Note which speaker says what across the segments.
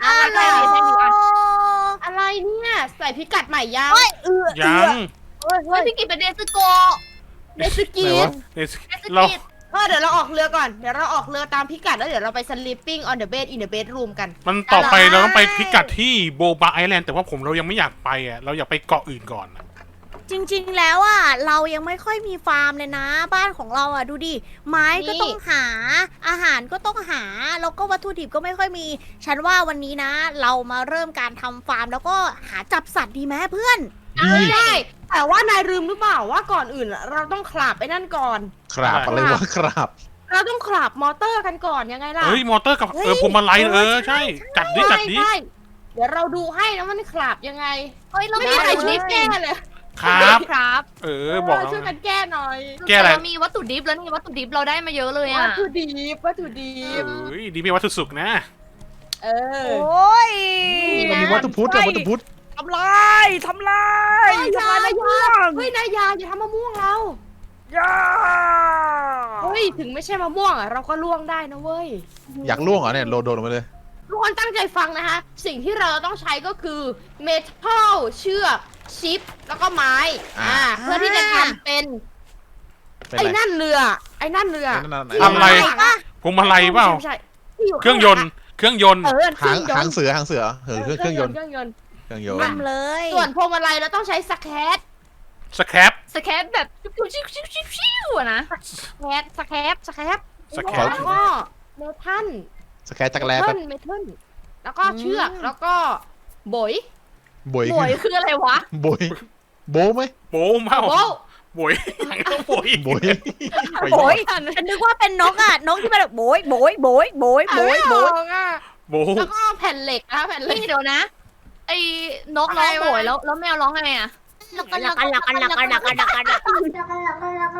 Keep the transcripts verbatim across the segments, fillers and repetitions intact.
Speaker 1: อะไร
Speaker 2: ฮัลโหล
Speaker 1: อะไรเนี่ยใส่พิกัดใหม่ยัง
Speaker 2: เฮ้ยเออ
Speaker 3: ยัง
Speaker 1: เฮ้ย
Speaker 4: เฮ้
Speaker 1: เฮ้
Speaker 4: ย
Speaker 1: ย
Speaker 4: พี่กิจเป็นเดซึโกะ
Speaker 1: เนสกี
Speaker 3: ไหนวะเนส
Speaker 4: เดซึ
Speaker 3: เรา
Speaker 4: กิจ
Speaker 1: เออเดี๋ยวเราออกเรือก่อนเดี๋ยวเราออกเรือตามพิกัดแล้วเดี๋ยวเราไป sleeping on the bed in the bedroom กัน
Speaker 3: มันต่อไปเราต้องไปพิกัดที่โบบาไอแลนด์แต่ว่าผมเรายังไม่อยากไปอ่ะเราอยากไปเกาะอื่นก่อนอะ
Speaker 2: จริงๆแล้วอ่ะเรายังไม่ค่อยมีฟาร์มเลยนะ บ้านของเราอ่ะดูดิไม้ก็ต้องหาอาหารก็ต้องหาแล้วก็วัตถุดิบก็ไม่ค่อยมี ฉันว่าวันนี้นะ เรามาเริ่มการทำฟาร์มแล้วก็หาจับสัตว์ดีไหมเพื่อน
Speaker 3: ดี
Speaker 1: ไม่ได้ แต่ว่านายลืมหรือเปล่าว่าก่อนอื่นเราต้องขลับไปนั่นก่อน
Speaker 5: ครับอะไรวะครับ
Speaker 1: เราต้องขลับมอเตอร์กันก่อนยังไงล่ะ
Speaker 3: เฮ้ยมอเตอร์กับ
Speaker 2: เฮ้ย
Speaker 3: เออพวงมาลัยเออ
Speaker 2: ใช่
Speaker 3: ใช่ จัดดิจัดดิ
Speaker 1: ใช่เดี๋ยวเราดูให้นะมันขลับยังไง
Speaker 4: เฮ้ยเรา
Speaker 1: ไม่
Speaker 4: มี
Speaker 1: มีใคร
Speaker 4: วัตถุ
Speaker 1: ช่วย
Speaker 4: ดิบ
Speaker 1: แก้เลย
Speaker 3: ครับ
Speaker 4: ครับ
Speaker 3: เออบอกแล้ว
Speaker 1: ช่วยกันแก้หน่อย
Speaker 3: แก้อะไร
Speaker 4: เรามีวัตถุดิบแล้วนี่วัตถุดิบเราได้มาเยอะเลย
Speaker 1: วั
Speaker 4: อ่ะ
Speaker 1: ตถุดิบวัตถุดิบ
Speaker 3: เอ้ยดีมีวัตถุสุกนะ
Speaker 1: เออ
Speaker 2: โอ้ย
Speaker 5: มันมีวัตถุพุทธอะวัตถุพุทธ
Speaker 2: ทำลายทำลาย
Speaker 1: เฮ้ย
Speaker 2: ทำลาย
Speaker 1: อย่า
Speaker 2: มะม่วง
Speaker 1: เฮ้ยนายยาอย่าทำมะม่วงเรา
Speaker 2: ย่า
Speaker 1: เฮ้ยถึงไม่ใช่มะม่วงอ่ะเราก็ล่วงได้นะเว้ย
Speaker 5: อยากล่วงเหรอเนี่ยโดนโดนลงมาเลย
Speaker 1: ทุกคนตั้งใจฟังนะคะ สิ่งที่เราต้องใช้ก็คือเมทัลเชือกชิป แล้วก็ไม้
Speaker 5: อ่า
Speaker 1: อ่าเพื่อที่จะทำเป็น
Speaker 5: เป็น
Speaker 1: ไอ้
Speaker 5: ไร
Speaker 1: นั่นเรือ ไอ้นั่นเรือ
Speaker 5: นั่นๆๆ
Speaker 1: ที่
Speaker 3: ทำอะไร
Speaker 1: ยู่ข้างหลัง
Speaker 3: พวงมาลัยเปล่า
Speaker 1: ไม่ใช่ที่ยู่
Speaker 3: เครื่องยนต์เครื่องยนต์
Speaker 1: เออเค
Speaker 5: หา
Speaker 1: รื่อง
Speaker 5: ง
Speaker 1: ยน
Speaker 5: หาง
Speaker 1: ต์
Speaker 5: เสือหางเสือเออเครื่องเครื่องยนต์
Speaker 1: เครื่องยนต์
Speaker 5: เครื่องยนต์
Speaker 2: ทำเลย
Speaker 1: ส่วนพวงมาลัยเราต้องใช้สแคต
Speaker 3: สแครป
Speaker 4: สแคปแบบชิวชิวชิวชิวชิวอะนะ
Speaker 1: สแคตสแคตสแคต
Speaker 3: สแค
Speaker 1: แล้ว
Speaker 3: ป
Speaker 1: ก็เมทัล
Speaker 5: สแกนจักรแล
Speaker 1: เม
Speaker 5: แบ
Speaker 1: ทั
Speaker 5: บ
Speaker 1: ลเมทัลแล้วก็เชือกแล้วก็บอย
Speaker 5: บอย
Speaker 4: หวยคืออะไรวะ
Speaker 5: บอยโบไหม
Speaker 3: โป้เมา
Speaker 1: โบ้
Speaker 3: โบยหลังต้องโบย
Speaker 5: บอย
Speaker 2: โบยฉันนึกว่าเป็นนกอ่ะนกที่มันแบบโบยโบยโบยโบยโบยโบย
Speaker 1: อ่ะ
Speaker 3: โบ
Speaker 1: แล้วก็แผ่นเหล็กนะแผ่นเหล็ก
Speaker 4: นี่เดี๋ยวนะ ไอ้นกร้องโหยแล้วแล้วแมวร้องไงอ่ะ
Speaker 2: ลักกันลักกันลักกันลักกันลักกันลักกันลักกัน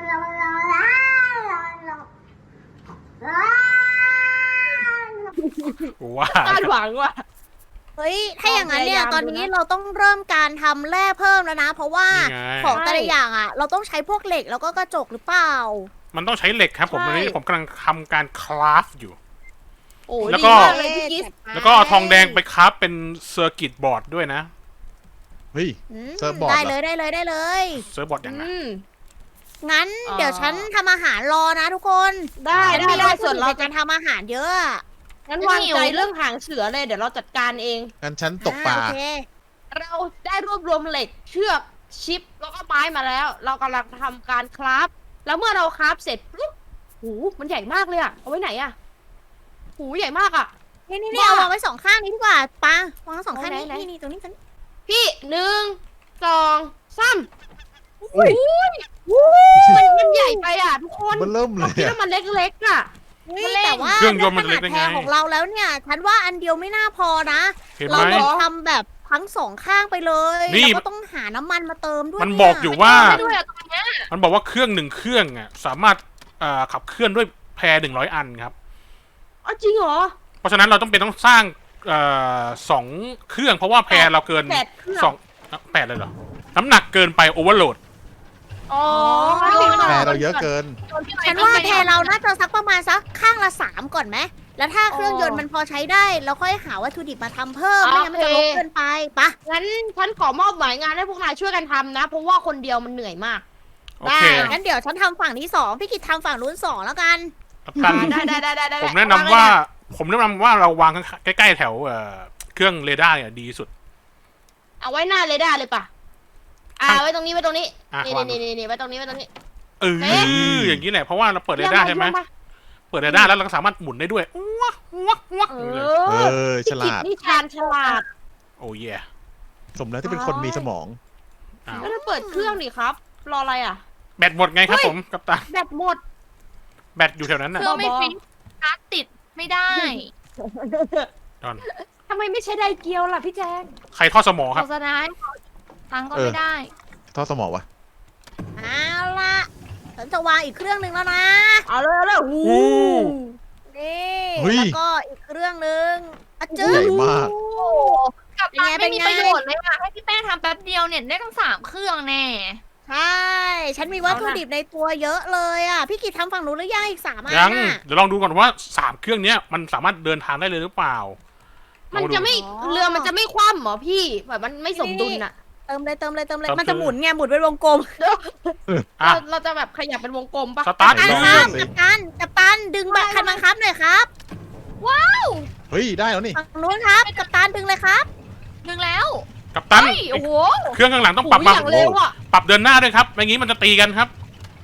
Speaker 3: ว่า
Speaker 1: คาดหวังว่ะ
Speaker 2: เฮ้ยถ้าอย่างนั้นเนี่ย
Speaker 1: ลองพ
Speaker 2: ต
Speaker 1: ยา
Speaker 2: อน
Speaker 1: ยาม
Speaker 2: นี้
Speaker 1: ดูนะ
Speaker 2: เราต้องเริ่มการทำแร่เพิ่มแล้วนะ เพราะว่า
Speaker 3: นี่ไง
Speaker 2: ของแต่ละอย่างอ่ะ เราต้องใช้พวกเหล็กแล้วก็กระจกหรือเปล่า
Speaker 3: มันต้องใช้เหล็กครับผม
Speaker 2: ใช่
Speaker 3: ตอนนี้ผมกำลังทำการคราฟอยู่
Speaker 1: โอ้ย
Speaker 3: แล้ว
Speaker 1: ดี
Speaker 3: ก็
Speaker 1: มากเลยพี่กิ๊ส
Speaker 3: แล้วก็เอาทองแดงไปคราฟเป็นเซอร์กิตบอร์ดด้วยนะ
Speaker 5: เฮ้ย
Speaker 2: อืม
Speaker 5: เซิร์ฟบอร์ด
Speaker 2: ได้
Speaker 5: เหรอ
Speaker 2: เลยได้เลยได้เลย
Speaker 3: เซิร์ฟบอร์ดอย่างนั้น
Speaker 1: อืม
Speaker 2: งั้น
Speaker 1: อ่า
Speaker 2: เดี๋ยวฉันทำอาหารรอนะทุกคน
Speaker 1: ได้
Speaker 2: ฉัน
Speaker 1: ได้
Speaker 2: มี
Speaker 1: ได้
Speaker 2: วัตถุ
Speaker 1: ส่วน
Speaker 2: ดิบ
Speaker 1: เรา
Speaker 2: ในการทำอาหารเยอะอะ
Speaker 1: งั้นวางใจเรื่องหางเสือเลยเดี๋ยวเราจัดการเอง
Speaker 5: งั้นฉันตกปลา
Speaker 2: อ่โอเค
Speaker 1: เราได้รวบรวมเหล็กเชือกชิปแล้วก็ไม้มาแล้ว เรากำลังทำการคราฟแล้วเมื่อเราคราฟเสร็จปุ๊บหูมันใหญ่มากเลยอะเอาไว้ไหนอะหูใหญ่มากอะ
Speaker 2: นี่นี่นี่
Speaker 1: บ้า
Speaker 2: เอาวางไว้สองข้างนี้ดีกว่าปาวางไว้สองข้างนี้
Speaker 1: ไหนไหน
Speaker 2: นี่นี่ตรงนี้ตรงนี้
Speaker 1: พี่หนึ่งสองสาม
Speaker 5: อุ้ย
Speaker 1: มันมันใหญ่ไปอะทุกคน
Speaker 5: มันเริ่มเล
Speaker 1: เรา
Speaker 5: ย
Speaker 1: คิด
Speaker 5: อะ
Speaker 1: ว่ามันเล็กๆอะ
Speaker 2: เฮ้ยแต่ว่า
Speaker 3: เครื่องยนต์มัน
Speaker 2: ข
Speaker 3: เล็
Speaker 2: นาก ด
Speaker 3: ได้
Speaker 2: แพ
Speaker 3: ไง
Speaker 2: งของเราแล้วเนี่ย ฉันว่าอันเดียวไม่น่าพอนะ
Speaker 3: เห็น
Speaker 2: เรา
Speaker 3: ไหม
Speaker 2: ต้องทำแบบทั้งสองข้างไปเลย
Speaker 3: นี่
Speaker 2: แล้วก็ต้องหาน้ำมันมาเติมด้วย
Speaker 3: มัน
Speaker 2: เย
Speaker 3: บอกอยู่ว่า
Speaker 4: ไม่ด้วยอะตอนเนี้ย
Speaker 3: มันบอกว่าเครื่องหนึ่งเครื่องอ่ะสามารถเอ่อขับเคลื่อนด้วยแพรหนึ่งร้อยอันครับ
Speaker 1: อ๋อจริงเหรอ
Speaker 3: เพราะฉะนั้นเราต้องเป็นต้องสร้างเอ่อสองเครื่อง เพราะว่าแพรเราเกิน
Speaker 1: แปดเครื่อง
Speaker 3: สองอ่ะแปดเลยเหรอ น้ำหนักเกินไปโอเวอร์โหลด
Speaker 1: อ๋อ
Speaker 5: แพรเราเยอะเกิน
Speaker 2: ฉันว่าแพรเราน่าจะสักประมาณสักข้างละสามก่อนไหมแล้วถ้าเครื่องยนต์มันพอใช้ได้เราค่อยหาวัตถุดิบมาทำเพิ่มไม่งั้นมันจะรกเกินไปปะ
Speaker 1: งั้นฉันขอมอบหมายงานให้พวกนายช่วยกันทำนะ เพราะว่าคนเดียวมันเหนื่อยมาก
Speaker 3: โอเค
Speaker 1: ได้
Speaker 2: งั้นเดี๋ยวฉันทำฝั่งที่สองพี่กิตทำฝั่งนู้นสองแล้วกัน
Speaker 3: กัปตัน
Speaker 1: ได้ได้ได้ได้ได้
Speaker 3: ผมแนะนำว่า ผมแนะนำว่าเราวางใกล้ๆแถวเอ่อเครื่องเรดาร์เนี่ยดีสุด
Speaker 1: เอาไว้หน้าเรดาร์เลยป่ะ อ่าไว้ตรงนี้ไว้ตรงนี้
Speaker 3: อ่ะ
Speaker 1: นี่
Speaker 3: วาง
Speaker 1: นี่นี่นี่ไว้ตรงนี้ไว้ตรงนี้
Speaker 3: เออ
Speaker 1: เฮ้ย
Speaker 3: อย่างนี้แหละเพราะว่าเราเปิดเรดาร์ใช่ไหม
Speaker 1: เยี่ยป
Speaker 3: เปิดเรดาร์แล้วเราก็สามารถหมุนได้ด้วยว้าวว้าวว้าว
Speaker 1: เอ
Speaker 3: อย่างนี้เลย
Speaker 5: เอ
Speaker 1: อ
Speaker 5: อ ฉ
Speaker 1: พี่กิจ
Speaker 5: ลาด
Speaker 1: นี่ชาญฉลาด
Speaker 3: โอ้ย
Speaker 5: สมแล้วที่เป็นคนมีสมอง
Speaker 3: อ้าว
Speaker 1: แล้วถ้าเปิดเครื่องดิครับ รออะไรอ่ะ
Speaker 3: แบตหมดไงครับผมกัปตัน
Speaker 1: แบตหมด
Speaker 3: แบตอยู่แถวนั้น
Speaker 4: เค
Speaker 3: น่ะ
Speaker 4: รื่องไม่ฟิตชาร์จติดไม่ได้
Speaker 3: ดอน
Speaker 1: ทำไมไม่ใช่ไดเกียวล่ะพี่แจง
Speaker 3: ใครทอดสมอค
Speaker 4: โฆ
Speaker 3: รับ
Speaker 4: ษณาให้ตังค์ก็
Speaker 5: เออ
Speaker 4: ไม่ได้
Speaker 5: ท่อสมองวะ
Speaker 2: เอาละฉันจะวางอีกเครื่องหนึ่งแล้วนะ
Speaker 1: เอาเลยเอาเลยหู
Speaker 3: อู้
Speaker 2: นี่
Speaker 5: เฮ้ย
Speaker 2: แล้วก็อีกเครื่องหนึ่งอะจึ๊
Speaker 5: ใหญ่มาก
Speaker 4: โอ้โหกับ
Speaker 2: เป็น
Speaker 4: ตั
Speaker 2: ไง
Speaker 4: นไม่มี
Speaker 2: เป็นไง
Speaker 4: ประโยชน์เลยอะให้พี่แป้งทำแป๊บเดียวเนี่ยได้ทั้งสามเครื่องแน่
Speaker 2: ใช่ ฉันมีวัตถุดิบในตัวเยอะเลยอ่ะ พี่กิตทำฝั่งนู้นหรือยังอีกสามอัน
Speaker 3: ยัง
Speaker 2: น่ะ
Speaker 3: เดี๋ยวลองดูก่อนว่าสามเครื่องเนี้ยมันสามารถเดินทางได้เลยหรือเปล่า
Speaker 1: มันจะไม่
Speaker 2: อ๋อ
Speaker 1: เรือมันจะไม่คว่ำเหรอพี่แบบมันไม่สมดุลอะ
Speaker 2: เติมเลยเติมเลยเติมเลย
Speaker 3: เติม
Speaker 2: มันจะ
Speaker 3: คือ
Speaker 2: หมุนไงหมุนเป็นวงกลม
Speaker 3: อ่ะ
Speaker 1: เราเราจะแบบขยับเป็นวงกลมปะ
Speaker 3: สตาร์ท
Speaker 2: กัป
Speaker 3: อี
Speaker 2: ตั
Speaker 3: ก
Speaker 2: น
Speaker 3: แล้ว
Speaker 2: ครับกัปตันกัปตันดึงบัตรคันบังคับหน่อยครับ
Speaker 5: เฮ้ย ได้แล้วนี่
Speaker 2: ฝั่งนู้นครับกัปตันดึงเลยครับ
Speaker 4: ดึงแล้ว
Speaker 3: กัปตัน
Speaker 4: เฮ้ยโอ้โห
Speaker 3: เครื่องข้างหลังต้อง
Speaker 1: โอ้
Speaker 3: ปรับ
Speaker 1: ย
Speaker 3: มา
Speaker 1: อย่างเร็วอะ
Speaker 3: ปรับเดินหน้าด้วยครับไม่งี้มันจะตีกันครับ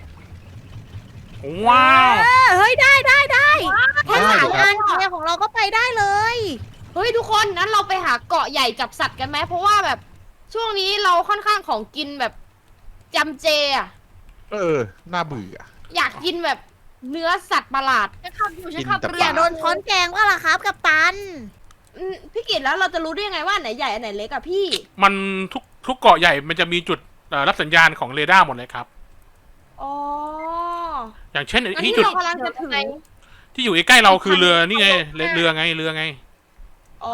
Speaker 3: ว้าว
Speaker 2: เออเฮ้ยได้ได้ได้แค่
Speaker 5: ได้
Speaker 2: สาม
Speaker 5: ครั
Speaker 2: อั
Speaker 5: บ
Speaker 2: นเนี่ยของเราก็ไปได้เลย
Speaker 1: เฮ้ยทุกคนนั้นเราไปหาเกาะใหญ่จับสัตว์กันไหมเพราะว่าแบบช่วงนี้เราค่อนข้างของกินแบบจำเจอะ
Speaker 5: เออ น่าเบื่อ
Speaker 1: อยากกินแบบเนื้อสัตว์ประหลาด
Speaker 4: ฉันขับอยู่ฉันขับ
Speaker 5: กินแต่
Speaker 4: เรื
Speaker 2: อ
Speaker 4: อ
Speaker 2: ย่าโดนช้อนแกงว่าล่ะครับกัปตัน
Speaker 1: อืมพี่กิตแล้วเราจะรู้ได้ยังไงว่าอันไหนใหญ่อันไหนเล็กอะพี่
Speaker 3: มันทุกทุกเกาะใหญ่มันจะมีจุดเอ่อรับสัญญาณของเรดาร์หมดเลยครับ
Speaker 1: อ๋อ
Speaker 3: อย่างเช่น
Speaker 1: อัน
Speaker 3: ที่
Speaker 1: นี้
Speaker 3: จุด
Speaker 1: เรากำลังจะถึง
Speaker 3: ที่อยู่ใกล้ๆเราคือเรือนี่ไงเรือเรือไงเรือไง
Speaker 1: อ๋อ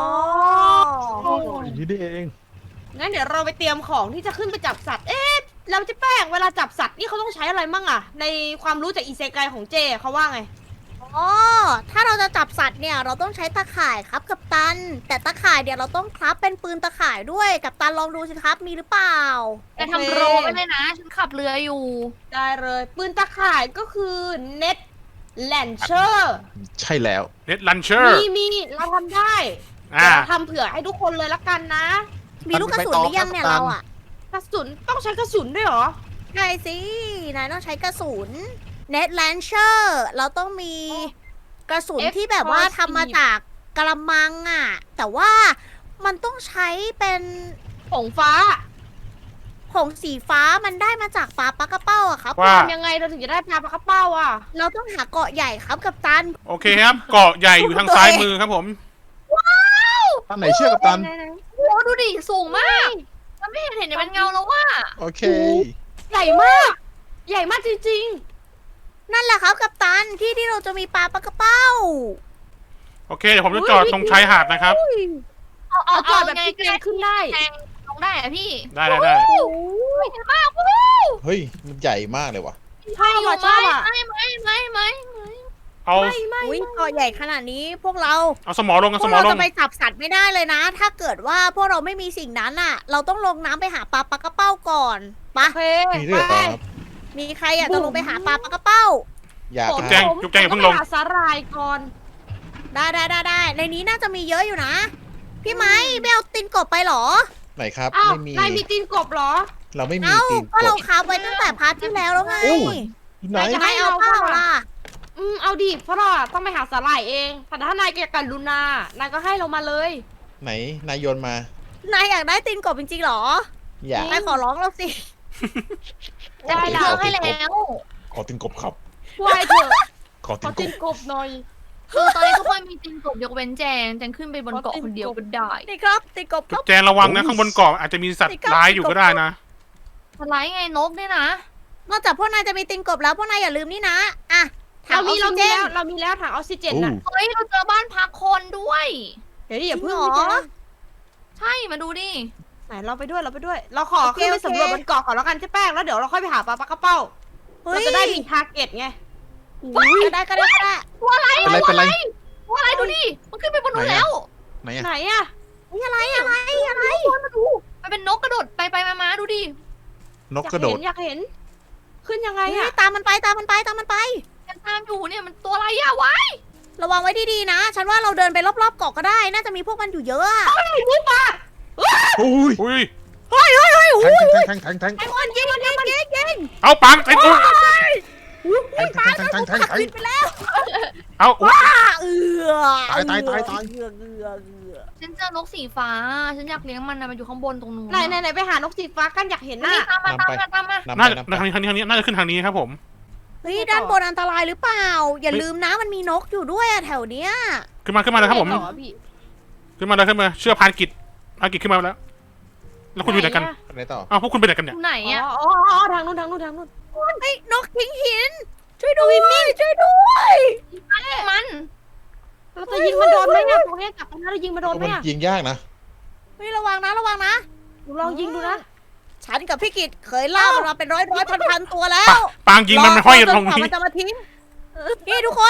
Speaker 5: อย่างนี้นี่เอง
Speaker 1: งั้นเดี๋ยวเราไปเตรียมของที่จะขึ้นไปจับสัตว์ เอ๊ะเราจะแป้งเวลาจับสัตว์นี่เขาต้องใช้อะไรมั่งอะในความรู้จากอีเซไกของเจเขาว่าไง
Speaker 2: อ๋อ ถ้าเราจะจับสัตว์เนี่ยเราต้องใช้ตะข่ายครับกัปตัน แต่ตะข่ายเดี๋ยวเราต้องคราฟเป็นปืนตะข่ายด้วยกัปตันลองดูสิครับมีหรือเปล่า
Speaker 4: แต่ทำโรไว้เลยนะ ฉันขับเรืออยู่
Speaker 1: ได้เลย ปืนตะข่ายก็คือเน็ตแลนเชอร์
Speaker 5: ใช่แล้ว
Speaker 3: เน็ตลันเชอร์
Speaker 1: มีมีเราทำได้
Speaker 3: อ่า
Speaker 1: เดี๋ยวเราทำเผื่อให้ทุกคนเลยละกันนะ
Speaker 2: มีลูกกระสุนหรือยังเนี่ย
Speaker 5: กัปตัน
Speaker 2: เราอ่ะ
Speaker 1: กระสุนต้องใช้กระสุนด้วยเหรอ
Speaker 2: ใช่สิ นายต้องใช้กระสุน Net Launcher เราต้องมีกระสุน
Speaker 1: F
Speaker 2: ที่แบบว่า
Speaker 1: พอสิบ
Speaker 2: ทำมาจากกระมังอ่ะ แต่ว่ามันต้องใช้เป็น
Speaker 1: ผงฟ้า
Speaker 2: ผงสีฟ้ามันได้มาจากปลาปลากระเป้าอะครับ
Speaker 3: ว่า
Speaker 1: ทำยังไงเราถึงจะได้ปลาปลากระเป้าอ่ะ
Speaker 2: เราต้องหาเกาะใหญ่ครับกับตัน
Speaker 3: โอเคครับ เกาะใหญ่อยู่ทางซ้ายมือครับผม
Speaker 5: ตั้นไหนเชื่อกับตัน
Speaker 4: โอ้โหดูดิ สูงมากมันไม่เห็นเห็นเป็นเงาแล้วว่า
Speaker 5: โอเค
Speaker 1: ใหญ่มาก ใหญ่มากจริง
Speaker 2: นั่นแหละครับกับตันที่ที่เราจะมีปลาปลากระเป้า
Speaker 3: โอเคเดี๋ยวผมจะจอดตรงชายหาดนะครับ
Speaker 4: เอา
Speaker 1: ๆ
Speaker 4: เอา
Speaker 1: เอาจ
Speaker 4: เอา
Speaker 1: อดแบบ
Speaker 4: ไง
Speaker 1: ที่
Speaker 4: ก็
Speaker 1: แก
Speaker 4: ได้
Speaker 1: งขึ้นได้
Speaker 4: แทงลงได้อะพี่
Speaker 3: ได้ได้ได้
Speaker 2: โอ้
Speaker 5: เฮ้ย มันใหญ่มากเลยว่ะ
Speaker 1: ใช่ว่ะชอบอ่ะ
Speaker 4: ไม่ไม่ไม่ไม่ไม่
Speaker 3: เอา
Speaker 1: ไม่ไม่
Speaker 2: อุ๊ยเกาะใหญ่ขนาดนี้พวกเรา
Speaker 3: เอาสมอลงเอา
Speaker 2: พ
Speaker 3: ส
Speaker 2: วก
Speaker 3: มอ
Speaker 2: เรา
Speaker 3: ลง
Speaker 2: จะไปจับสัตว์ไม่ได้เลยนะ ถ้าเกิดว่าพวกเราไม่มีสิ่งนั้นอ่ะ เราต้องลงน้ำไปหาปลาปลากระเป้าก่อนไปะ
Speaker 1: โอเค
Speaker 5: มีด้วยเหรอ
Speaker 1: ไป
Speaker 5: ครับ
Speaker 2: มีใครอยากจะลงไปหาปลาปลากระเป้า
Speaker 5: อยาก
Speaker 1: ผม
Speaker 3: จุ๊บแจง
Speaker 1: ผม
Speaker 3: จุ๊บแจงอย่าเพิ่งลง
Speaker 1: ผมต้ไปหาสาหร่ายก่อน
Speaker 2: ได้ได้ได้ได้ในนี้น่าจะมีเยอะอยู่นะ พี่ไม้ไม่เอาตินกบไปเหรอ
Speaker 5: ไหนครับ
Speaker 1: อ้าว
Speaker 5: ไม่มี
Speaker 1: นายมีตีนกบเหรอ
Speaker 5: เราไม่มี
Speaker 2: เอ้า
Speaker 5: ตีน
Speaker 2: ก็
Speaker 5: ก
Speaker 2: เรา
Speaker 5: บ
Speaker 2: คาบไว้ตั้งแต่พาร์ทที่แล้วแล้วไง
Speaker 5: โอ้ย ไหน
Speaker 1: นายจะ
Speaker 2: ไม่เอาเปล่าล่ะ
Speaker 1: อืมเอาดิเพราะเราอะต้องไปหาสาหร่ายเองแต่ถ้านายเกี่ยวกับลูนานายก็ให้เรามาเลย
Speaker 5: ไหน นายโยนมา
Speaker 2: นายอยากได้ตินกบจริงๆเหรอ
Speaker 5: อยาก
Speaker 2: นายขอร้องเราสิ
Speaker 4: ได้
Speaker 5: ข
Speaker 4: แล้
Speaker 5: อ
Speaker 4: ว
Speaker 5: ตี
Speaker 4: ให้
Speaker 5: นกบ
Speaker 4: แล้ว
Speaker 5: ขอตีนกบครับ
Speaker 1: วายเถอะ
Speaker 5: ขอ
Speaker 1: ข
Speaker 5: ตี
Speaker 1: อน
Speaker 5: ก
Speaker 1: ตี
Speaker 5: บ
Speaker 1: นกบหน่อย
Speaker 4: คือตอนนี้ทุกคนมีติงกบยกเว้นแจงแจงขึ้นไปบนเกาะคนเดียวก็ได้
Speaker 2: นี่ครับตินกบค
Speaker 3: จุ๊
Speaker 2: รั
Speaker 3: บบ แจงระวังนะข้างบนเกาะอาจจะมีสัตว์ร้ายอยู่ก็ได้นะ
Speaker 4: สไลด์ไงนกเนี่ยนะ
Speaker 2: นอกจากพวกนายจะมีตินกบแล้วพวกนายอย่าลืมนี่นะอ่ะถั
Speaker 1: เรา
Speaker 2: งอ
Speaker 1: มี
Speaker 2: อก
Speaker 1: เรา
Speaker 2: ซิ
Speaker 1: มี
Speaker 2: เจน
Speaker 1: แล้วเรามีแล้วถังออกซิเจน
Speaker 5: อู้
Speaker 1: น่ะ
Speaker 4: เฮ้ยเราเจอบ้านพักคนด้วย
Speaker 1: เดี๋ยวดิอย่าเพิ่ง
Speaker 2: จริงเหรอ
Speaker 1: พี่แจ๊ค
Speaker 4: ใช่มาดูดิ
Speaker 1: ไหนเราไปด้วยเราไปด้วย เราขอ
Speaker 2: โอเค
Speaker 1: ขึ้นไป
Speaker 2: โอเค
Speaker 1: สำรวจบนเกาะก่อนแล้วกันใช่แป้งแล้วเดี๋ยวเราค่อยไปหาปลาปลากระเป้า
Speaker 2: เฮ้
Speaker 1: เรา
Speaker 2: ย
Speaker 1: จะได้มีทาร์เก็ตไง
Speaker 2: ก็ได้ก็ได้ก็ได้
Speaker 5: เป็นไรเป็นไร
Speaker 4: ว่าอะไรดูดิมันขึ้นไปบนนู้น
Speaker 5: ไหนอะ
Speaker 4: แล้ว
Speaker 5: ไหนอะ
Speaker 1: ไหนอะ
Speaker 2: นี่อะไรอะไรอะไร
Speaker 4: มาดูมันเป็นนกกระโดดไปไปมามาดูดิ
Speaker 5: นก
Speaker 1: อยาก
Speaker 5: กระโด
Speaker 1: เห็
Speaker 5: ด
Speaker 1: นอยากเห็น ขึ้นยังไง
Speaker 2: เฮ้
Speaker 1: อะ
Speaker 2: ยตามมันไปตามมันไปตามมันไป
Speaker 4: ยังตามอยู่เนี่ยมันตัวอะไรอะวะ
Speaker 2: ระวังไว้ดีๆนะ ฉันว่าเราเดินไปรอบๆเกาะก็ได้ น่าจะมีพวกมันอยู่เยอะอะ
Speaker 5: อุ้ย
Speaker 3: อุ้ย
Speaker 5: แทงแทงแทงแทงแทง
Speaker 2: ไอ้คนยิงยิงยิงยิง
Speaker 3: เอาปังเต็มอุ้ย
Speaker 5: แทงแทงแทงแทงแทง
Speaker 2: ขับ
Speaker 5: แทง
Speaker 2: ผิดไปแล้ว
Speaker 3: เอาอุ๊ย
Speaker 2: อ่าเอือ
Speaker 5: ตายตายตายตาย
Speaker 2: เอือเอือเอือ
Speaker 4: ฉันเจอนกสีฟ้า ฉันอยากเลี้ยงมันนะมันอยู่ข้างบนตรงนู้น
Speaker 1: ไหนไหนไหนไปหานกสีฟ้ากันอยากเห็น
Speaker 4: นี่
Speaker 1: น่ะ
Speaker 4: ตามมาตามมาตามมา
Speaker 5: นำไป
Speaker 3: น่าจะ
Speaker 5: นำไป
Speaker 3: ทางนี้ทางนี้ทางนี้น่าจะขึ้นทางนี้ครับผม
Speaker 2: เฮ้ยด้านบนอันตรายหรือเปล่า อย่าลืมนะมันมีนกอยู่ด้วยอะแถวเนี้ย
Speaker 3: ขึ้นมาขึ้นมาเลยครับผม
Speaker 1: ไหนเหอพี่
Speaker 3: ขึ้นมาเลยขึ้นมาเชื่อพานกิจพานกิจขึ้นมาแล้ว แล้วคุณอยู่ไหนกัน
Speaker 5: ไหนต่อ
Speaker 3: อ้าวพวกคุณไปไหนกัน
Speaker 4: อ
Speaker 3: เนี่ย
Speaker 4: ยู่ไหน
Speaker 1: อ๋อ
Speaker 4: อะ
Speaker 1: อ๋ออ๋อทางนู้นทางนู้นทางนู้น
Speaker 2: เฮ้ยนกทิ้งหิน ช่วยด้วยช่วยด้วย
Speaker 4: มัน
Speaker 1: เราจะยิงมันโดนไหมอะตรงเนี้ยจับตรงนั้นเรายิงมันโดนไหม
Speaker 5: มัน
Speaker 1: อะ
Speaker 5: ยิงยากนะ
Speaker 2: เฮ้ยระวังนะระวังนะ
Speaker 1: หนูลองยิงดูนะ
Speaker 2: ฉันกับพี่กิตเคยล่ามันมาเป็นร้อยร้อยพันพันตัวแล้
Speaker 3: ปะ
Speaker 2: ว
Speaker 3: ปางยิงมันไม่ห้อยตรง
Speaker 2: จกว่า
Speaker 3: นี้
Speaker 2: มันจะมาทิ้งนี่ทุกคน